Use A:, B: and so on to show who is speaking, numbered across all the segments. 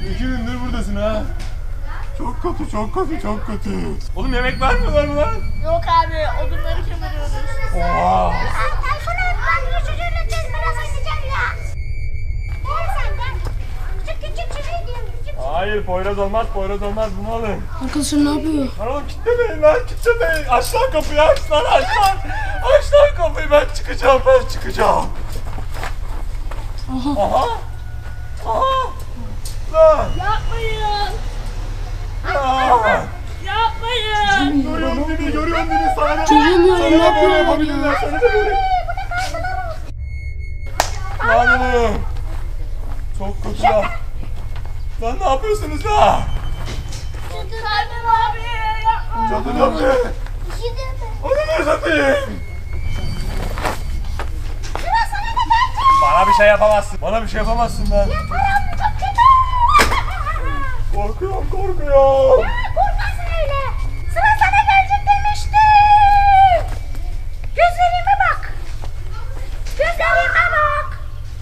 A: 2 gündür buradasın ha. Çok kötü, çok kötü, çok kötü. Oğlum yemek vermiyorlar mı lan?
B: Yok abi, odunları kemiriyoruz.
A: Oha.
B: Tayfun abi, ben bir çocuğu üreteceğiz, biraz oynayacağım ya. Gel sen gel. Küçük çocuğu diyorum, küçük.
A: Hayır, Poyraz olmaz, Poyraz olmaz. Bunu alın.
C: Arkadaşlar ne yapıyor?
A: Lan oğlum kilitlemeyin lan, kilitlemeyin. Aç lan kapıyı, aç lan, aç lan. Aç lan kapıyı, ben çıkacağım, ben çıkacağım.
C: Aha.
A: Aha. Aha. Lan.
B: Yapmayın.
A: Lan.
B: Yapmayın.
A: Görüyorum beni, görüyorum beni. Sana da
C: Çözemiyorum,
A: sana da böyle
C: yapıyorum
A: yapabilirler, sana da böyle. Lan oğlum. Çok kötü lan. Lan ne yapıyorsunuz lan?
B: Tayfun abi, yapma.
A: Cadı yaptı. Onu ne satayım?
B: Sıra sana da gelecek.
A: Bana bir şey yapamazsın. Bana bir şey yapamazsın lan.
B: Param çok kötü.
A: Korkuyorum, korkuyorum.
B: Korkarsın öyle. Sıra sana gelecek demiştim. Gözlerime bak. Gözlerime bak.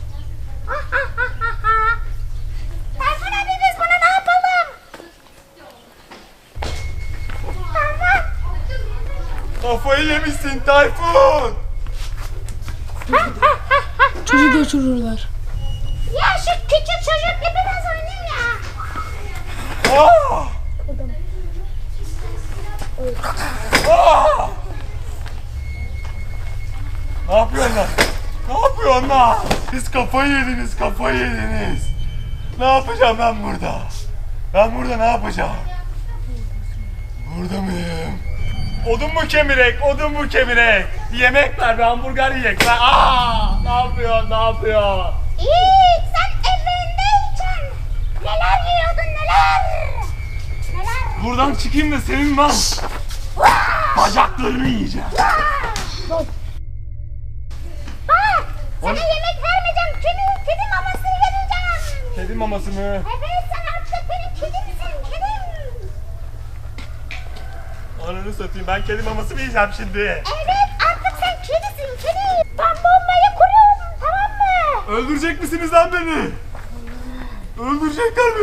B: Tayfun abi, biz buna ne yapalım? Tayfun.
A: Kafayı yemişsin Tayfun.
C: Çocuk götürürler.
B: Ya şu küçük çocukla biraz oynayayım ya.
A: Ah! Ah! Ne yapıyorsun lan? Ne yapıyorsun lan? Siz kafayı yediniz, kafayı yediniz. Ne yapacağım ben burada? Ben burada ne yapacağım? Burada mıyım? Odun mu kemirek, odun mu kemirek? Bir yemek ver, bir hamburger yiyek lan. Aa! Ne yapıyorsun, ne yapıyorsun?
B: İyi, sen evindeyken neler yiyordun, neler? Neler?
A: Buradan çıkayım da senin lan bacaklarını yiyeceğim.
B: Bak, sana yemek vermeyeceğim. Kedi mamasını vereceğim.
A: Kedi maması mı?
B: Evet, sen artık benim kedimsin, kedim.
A: Ananı satayım, ben kedi maması mı yiyeceğim şimdi?
B: Evet, artık sen kedisin, kedi. Ben bombayı kuruyorum, tamam mı?
A: Öldürecek misiniz lan beni? Öldürecekler mi?